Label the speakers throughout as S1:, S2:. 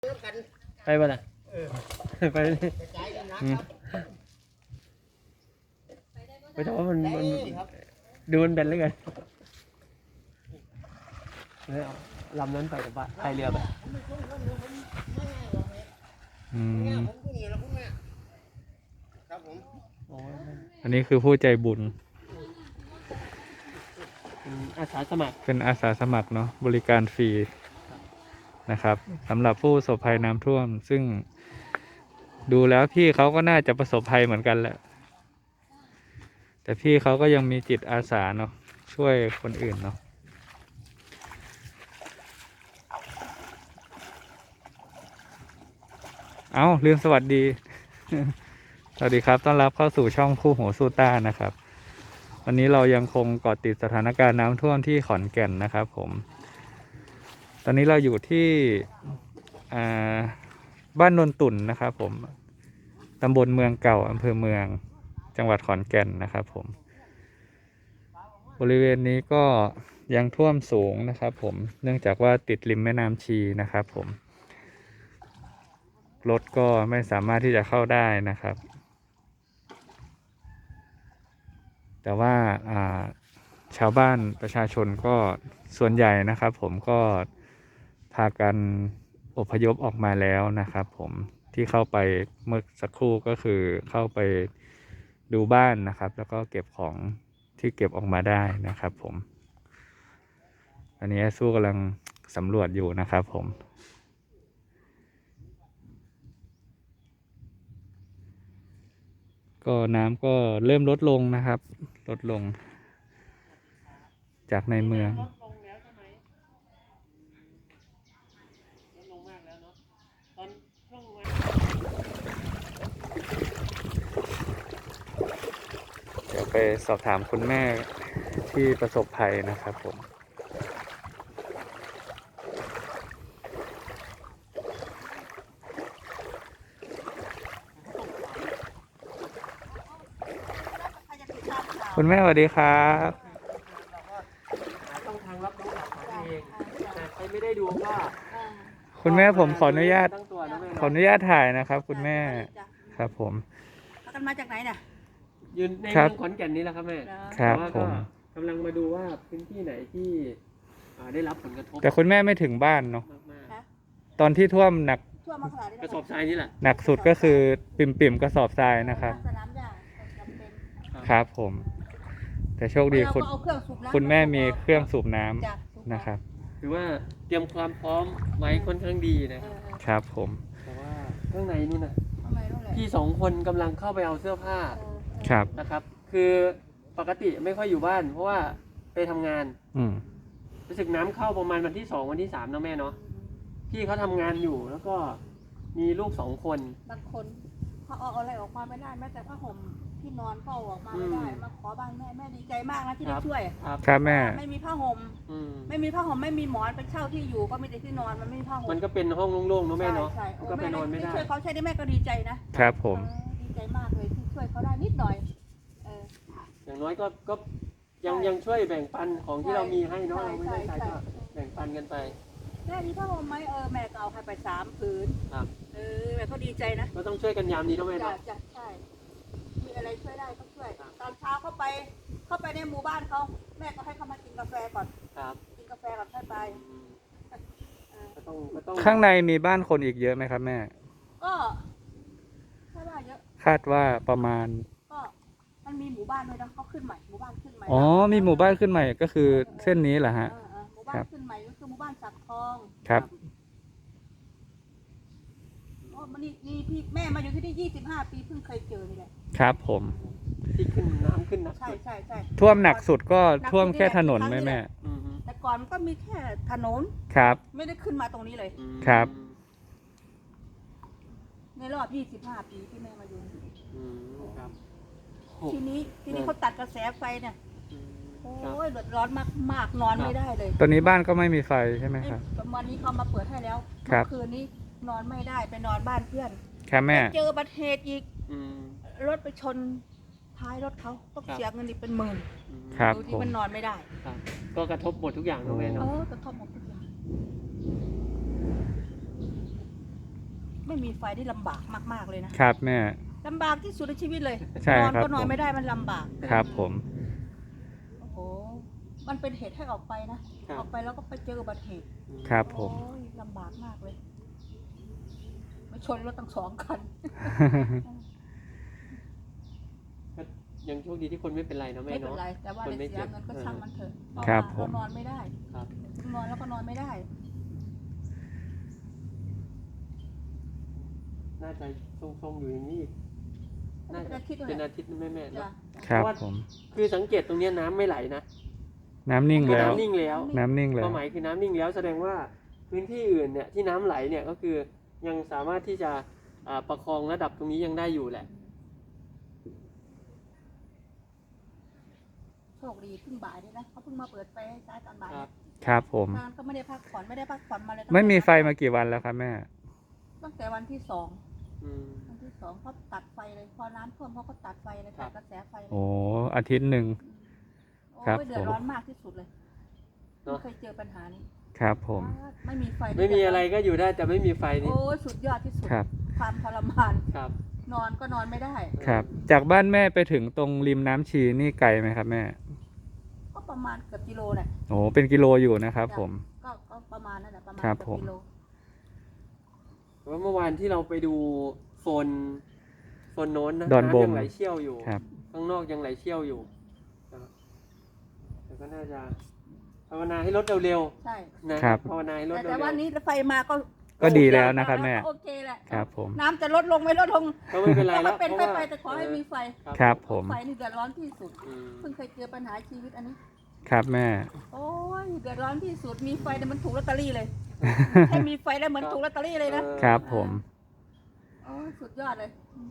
S1: ไปบ่ล่ะไปไปแต่ว่ามันดูมันเป็นเลยกันลำนั้นไปกับบ้านพายเรือไป
S2: อันนี้คือผู้ใจบุญ
S1: อาสาสมัคร
S2: เป็นอาสาสมัครเนาะบริการฟรีนะครับสำหรับผู้ประสบภัยน้ำท่วมซึ่งดูแล้วพี่เขาก็น่าจะประสบภัยเหมือนกันแหละแต่พี่เขาก็ยังมีจิตอาสาเนาะช่วยคนอื่นเนาะเอาลืมสวัสดี สวัสดีครับต้อนรับเข้าสู่ช่องคู่หูสู้ต้านะครับวันนี้เรายังคงเกาะติดสถานการณ์น้ำท่วมที่ขอนแก่นนะครับผมตอนนี้เราอยู่ที่บ้านนนตุ่นนะครับผมตำบลเมืองเก่าอำเภอเมืองจังหวัดขอนแก่นนะครับผมบริเวณนี้ก็ยังท่วมสูงนะครับผมเนื่องจากว่าติดริมแม่น้ำชีนะครับผมรถก็ไม่สามารถที่จะเข้าได้นะครับแต่ว่าชาวบ้านประชาชนก็ส่วนใหญ่นะครับผมก็พากันอพยพออกมาแล้วนะครับผมที่เข้าไปเมื่อสักครู่ก็คือเข้าไปดูบ้านนะครับแล้วก็เก็บของที่เก็บออกมาได้นะครับผมอันนี้สู้กำลังสำรวจอยู่นะครับผมก็น้ำก็เริ่มลดลงนะครับลดลงจากในเมืองเดี๋ยวไปสอบถามคุณแม่ที่ประสบภัยนะครับผมคุณแม่สวัสดีครับ
S1: ต้องทางรับรู้หลักฐานเองแต่ใครไม่ได้ดูก็
S2: คุณแม่ผมขออนุญาตถ่ายนะครับคุณแม่ครับผม
S3: กันมาจากไหนเนี่ย
S1: ยืนในเมืองขอนแก่นนี้แหละครับแม่
S2: ครับผม
S1: กำลังมาดูว่าพื้นที่ไหนที่ได้รับผลกระทบ
S2: แต่คุณแม่ไม่ถึงบ้านเนาะตอนที่ท่วมหนัก
S1: กระสอบทรายนี่แหละ
S2: หนักสุดก็คือปิ่มกระสอบทรายนะครับครับผมแต่โชคดีคุณแม่มีเครื่องสูบน้ำนะครับ
S1: ถือว่าเตรียมความพร้อมไว้ค่อนข้างดีนะครับ
S2: ผม
S1: แต่ว่าข้างในนู่นน่ะพี่สองคนกำลังเข้าไปเอาเสื้อผ้า
S2: ครับ
S1: นะครับคือปกติไม่ค่อยอยู่บ้านเพราะว่าไปทำงานรู้สึกน้ำเข้าประมาณวันที่2วันที่3นะแม่เนาะพี่เขาทำงานอยู่แล้วก็มีลูก2คน
S3: บางคนเขาเอาอะไรออกมาไม่ได้แม้แต่ผ้าห่มที่นอนก็ออกมาไม่ได้มาขอบ้านแม่ดีใจมากนะที่ได้ช่วย
S2: ครับแม่
S3: ไม่มีผ้าห่มไม่มีหมอนไปเช่าที่อยู่ก็ไม่ได้ที่นอนมันไม่มีผ้าห่ม
S1: มันก็เป็นห้องโล่งๆนะแม่เนาะก็ไปนอนไม่ได้
S3: ช่วยเขาใช้ได้แม่ก็ดีใจ
S2: นะครับผม
S3: ดีใจมากเลยที่ช่วยเขาได้นิดหน่อย
S1: อย่างน้อยก็ยังช่วยแบ่งปันของที่เรามีให้เนาะเราไม่ได้ใช้ก็แบ่งปันกันไป
S3: แม่มีผ้าห่มไหมแม่ก็เอาให้ไป3 ผืนแม่ก็ดีใจนะ
S1: ก็ต้องช่วยกันยามนี้นะแม่เนาะ
S3: ใช่มีอะไรช่วยได้ก็ช่วยตอนเช้าเข้าไปในหมู่บ้านเขาแม่ก็ให้เขามากินกาแฟก่อนกินกาแฟก่อนค่อยไป
S2: ข้างในมีบ้านคนอีกเยอะไหมครับแม่
S3: ก็คาดว่าเยอะ
S2: คาดว่าประมาณ
S3: ก็มันมีหมู่บ้านด้วยนะเขาขึ้นใหม่หมู่บ้านขึ้นใหม่
S2: มีหมู่บ้านขึ้นใหม่ก็คือเส้นนี้เหรอฮะ
S3: หมู่บ้านขึ้นใหม่ก็คือหมู่บ้านสักทอง
S2: ครับ
S3: นี่พี่แม่มาอยู่ที่นี่25 ปีเพิ่งเคยเจอนี่แหละ
S2: ครับผม
S1: ที่ขึ้นน้ำขึ้นหนัก
S3: ใช่
S2: ท่วมหนักสุดก็ท่วมแค่ถนนไหมแม่
S3: แต่ก่อนก็มีแค่ถนน
S2: ครับ
S3: ไม่ได้ขึ้นมาตรงนี้เลย
S2: ครับ
S3: ในรอบ25 ปีที่แม่มาอยู่ครับทีนี้เขาตัดกระแสไฟเนี่ยโอ้ยเดือดร้อนมากนอนไม่ได้เลย
S2: ตอนนี้บ้านก็ไม่มีไฟใช่ไหมครับ
S3: วันนี้เขามาเปิดให้แล้วคืนนี้นอนไม่ได้ไปนอนบ้านเพื่อน
S2: ครับแม่
S3: เจออุบัติเหตุอีกรถไปชนท้ายรถเขาต้องเสียเงินอีกเป็น10,000
S2: ครับ
S3: ที่มันนอนไม่ได้
S1: ก็กระทบหมดทุกอย่างนะแม่เนาะ
S3: กระทบหมดทุกอย่างไม่มีไฟได้ลำบากมากๆเลยนะครับ
S2: แม่
S3: ลำบากที่สุดในชีวิตเลย
S2: ใช่
S3: นอน
S2: ครับ
S3: ก็นอน
S2: ผม
S3: ไม่ได้มันลำบาก
S2: ครับผม
S3: โอ้โหมันเป็นเหตุให้ออกไปนะ
S1: ครับ
S3: ออกไปแล้วก็ไปเจออุบัติเหตุ
S2: ครับผม
S3: โอ้ยลำบากมากเลยไม่ชนรถตั้ง2 คัน
S1: ก็ยังโชคดีที่คนไม่เป็นไรเนาะแม่
S3: ไม่เป็น
S1: เนาะ
S3: ไรแต่ว่า
S1: คนไม่
S3: ได้เสีย
S1: เจ็บ
S3: เงินก็ช่างมันเถอะเพาะ
S2: ครับ
S3: ว่า
S2: ผม
S3: เรานอนไม่ได้
S1: ครับ
S3: นอนแล้วก็นอนไม่ได้
S1: น่าจะทรงๆอยู่อย่างนี้อีกน่าจะ
S3: เป็นอาทิตย์เลย
S1: เป็นอาทิตย์นะแม่ๆ
S3: จ้ะ
S1: เนาะ
S2: ครับ
S1: เพราะว่า
S2: ผม
S1: คือสังเกตตรงเนี้ยน้ำไม่ไหลนะ
S2: น้ำนิ่งแล้ว
S1: น้ำนิ่งแล้ว
S2: น้ำนิ่งแล้
S1: คว วามหมายคือน้ำนิ่งแล้วแสดงว่าพื้นที่อื่นเนี่ยที่น้ำไหลเนี่ยก็คือยังสามารถที่จะประคองระดับตรงนี้ยังได้อยู่แหละ
S3: โชคดีเพิ่งบ่ายด้วยนะเขาเพิ่งมาเปิดไฟให้ใช้ตอนบ่าย
S1: ครับ
S2: ครับผม
S3: งานก็ไม่ได้พักผ่อนมาเลยตั้งแต่
S2: ไม่มีไฟมากี่วันแล้วครับแม่
S3: ตั้งแต่วันที่ 2
S1: อืม
S3: วันที่ 2เขาตัดไฟเลยพอน้ำท่วมเขาก็ตัดไฟเลย
S1: ครั
S3: ตั
S1: บ
S3: ดกระแสไฟเลย
S2: โอ้อาทิตย์หนึ่ง
S3: โอ้
S2: ครับ
S3: ยเดือดร้อนมากที่สุดเลย
S1: เนอะ
S3: ไม่เคยเจอปัญหานี้
S2: ครับผม
S3: ไม่มีไฟ
S1: ไม่มีอะไรก็อยู่ได้แต่ไม่มีไฟนี่
S3: โอ้ยสุดยอดที่สุด
S2: ครับ
S3: ความทรมาน
S1: ครับ
S3: นอนก็นอนไม่ได้
S2: ครับ จากบ้านแม่ไปถึงตรงริมน้ำชีนี่ไกลไหมครับแม่
S3: ก็ประมาณเกือบกิโลแหละ
S2: โอ้เป็นกิโลอยู่นะครับผม
S3: ก็ประมาณนั่นแหละประมาณ
S2: ครับ
S3: เกือบ
S2: ผม
S3: กิโล
S1: ว่าเมื่อวานที่เราไปดูโซนโน้นนะ
S2: ดอนบม
S1: ำยังไหลเชี่ยวอยู่
S2: ครับ
S1: ข้างนอกยังไหลเชี่ยวอยู่นะครับแต่ก็น่าจะภาวนาให้รถเร็ว
S3: ใช่
S1: ๆนะครับ ภาวนาให้รถ
S3: แต่
S1: เร็ว
S3: วันนี้ไฟมาก็
S2: ก็ดีแล้วนะครับแม่
S3: โอเคแหละ
S2: ครับผม
S3: น้ำจะลดลงไม่ลดลง
S1: ๆก็ไม่เป็นไรแล้ว
S3: ก็เป็น
S1: เพราะ
S3: ไป
S1: ว่า
S3: แต่ขอให้มีไฟ
S2: ครับผม
S3: ไฟนี่เดือดร้อนที่สุด
S1: อืม
S3: เพิ่งเคยเจอปัญหาชีวิตอันนี้
S2: ครับแม่
S3: โอ้ยเดือดร้อนที่สุดมีไฟเนี่ยมันถูกลอตเตอรี่เลย แค่มีไฟแล้วเหมือนถูกลอตเตอรี่เลยนะครับ
S2: ผม
S3: โอ้ยสุดยอดเลย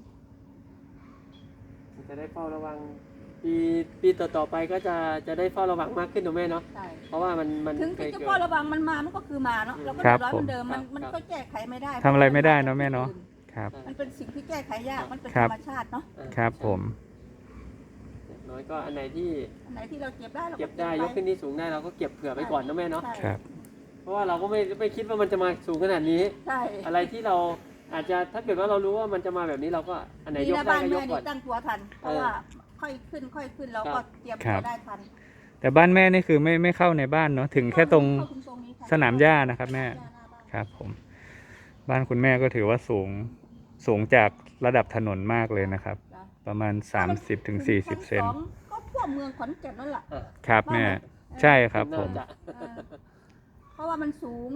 S1: จะได้เฝ้าระวังปีต่อๆไปก็จะได้เฝ้าระวังมากขึ้นถูกไหมเนาะ
S3: ใช่
S1: เพราะว่ามัน
S3: ถึง
S1: เคย
S3: จะ
S1: เกิ
S3: เฝ้า
S1: ด
S3: ระวังมันมามันก็คือมาเนาะเราก็
S2: ครั
S3: เดือบ ดร้อนเหมือนเดิม
S1: ผม
S3: มัน
S1: ครับ
S3: ก็แก้ไขไม่ได้
S2: ทำอะไรไม่ได้เนอะแม่เนาะ ครับ
S3: มันเป็นสิ่งที่แก้ไขยากมันเป็น
S2: ครั
S3: ธ
S2: บ
S3: รรมชาติเนาะ
S2: ครับผม
S1: อย่างน้อยก็อันไหนที่
S3: อันไหนที่เราเก็บได้เรา
S1: เก็บได้
S3: ว้
S1: ยกขึ้นที่สูงได้เราก็เก็บเผื่อไปก่อนนะแม่เนาะ
S3: ใช่
S2: ครับ
S1: เพราะว่าเราก็ไม่คิดว่ามันจะมาสูงขนาดนี้
S3: ใช่
S1: อะไรที่เราอาจจะถ้าเกิดว่าเรารู้ว่ามันจะมาแบบนี้เราก็อันไหน
S3: ดี
S1: ยก
S3: นะ
S1: ได้
S3: บ้าน
S1: ก็ย
S3: แม่
S1: กก่
S3: นี่
S1: อน
S3: ตั้งตัวทัน เพราะว่าค่อยขึ้นเราก็เตรียม
S2: ครั
S3: ตัว
S2: บ
S3: ได้ทัน
S2: แต่บ้านแม่นี่คือไม่เข้าในบ้านเนาะ ถึงแค่ตรง
S3: เข้าถึงตรงนี้ค่ะ
S2: สนามหญ้านะครับแม่
S3: หญ้าหน้าบ้าน
S2: ครับผม บ้านคุณแม่ก็ถือว่าสูงจากระดับถนนมากเลยนะครับ
S3: จ้ะ
S2: ประมาณ 30-40 เซน
S3: ชั้สองก็ทั่วเมืองขอนแก่นนั่นแหละ
S2: ครับแม่ ใช่ครับผม
S1: น่าจะ
S3: เออเพราะว่ามันสูง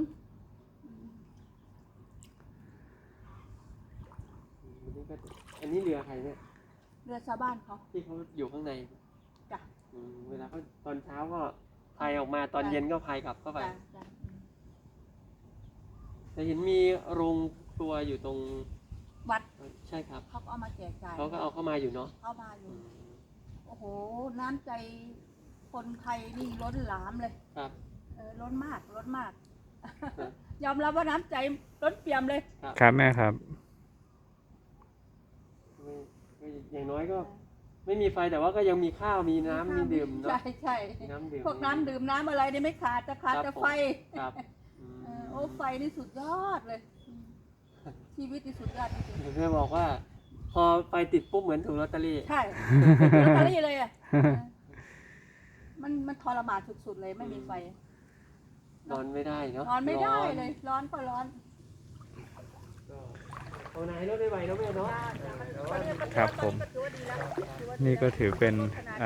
S1: อันนี้เรือใครเนี่ย
S3: เรือชาวบ้านเขา
S1: ที่เขาอยู่ข้างใน
S3: จ้ะ
S1: เวลาเขาตอนเช้าก็พายออกมาตอนเย็นก็พายกลับเข้าไป
S3: จ้ะจ้ะ
S1: แต่เห็นมีโรงครัวอยู่ตรง
S3: วัด
S1: ใช่ครับ
S3: เขาก็เอามาแจกจ่าย
S1: เขาก็เอาเข้ามาอยู่เนาะ
S3: เข้ามาอยู่ โอ้โห น้ำใจคนไทยนี่ล้นหลามเลย
S1: ครับ
S3: ล้นมาก ยอมรับว่าน้ำใจล้นเปี่ยมเลย
S2: ครับแม่ครับ
S1: อย่างน้อยก็ไม่มีไฟแต่ว่าก็ยังมีข้าวมีน้ำมีดื่มเนาะ
S3: ใช่ใช่
S1: น้ำดื่ม
S3: พวกน้ำดื่มน้ำอะไรนี่ไม่ขาดจะขาด
S1: ครับ
S3: แต่
S1: ผม
S3: ไฟ
S1: ครับ
S3: โอ้ไฟนี่สุดยอดเลยชีวิตนี่สุดยอดจริง
S1: เพื่อบอกว่า พอไฟติดปุ๊บเหมือนถูกลอตเตอรี่
S3: ๆใช่ลอตเตอรี่เลยอ่ะมันทรมานสุดๆเลยไม่มีไฟ
S1: นอนไม่ได้เนาะ
S3: นอนไม่ได้เลย ร้อนก็ร้อน
S1: เอาไหนรถได้ไหวเนาะแม่เนาะ
S2: ครับผม นี่ก็ถือเป็น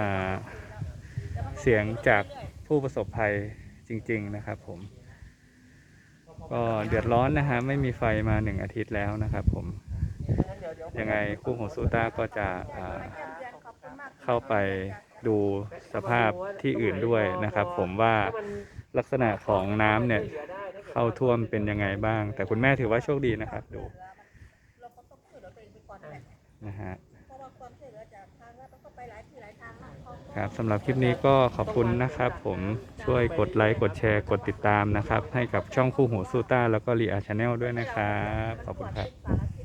S2: เสียงจากผู้ประสบภัยจริง ๆ นะครับผม ก็เดือดร้อนนะฮะไม่มีไฟมา1 อาทิตย์แล้วนะครับผม ยังไงคู่หูซูต้าก็จะเข้าไปดูสภาพที่อื่นด้วยนะครับผมว่าลักษณะของน้ำเนี่ยเข้าท่วมเป็นยังไงบ้าง แต่คุณแม่ถือว่าโชคดีนะครับดูนะฮะครับสำหรับคลิปนี้ก็ขอบคุณนะครับผมช่วยกดไลค์กดแชร์กดติดตามนะครับให้กับช่องคู่หูซูต้าแล้วก็รีอาชาแนลด้วยนะครับขอบคุณครับ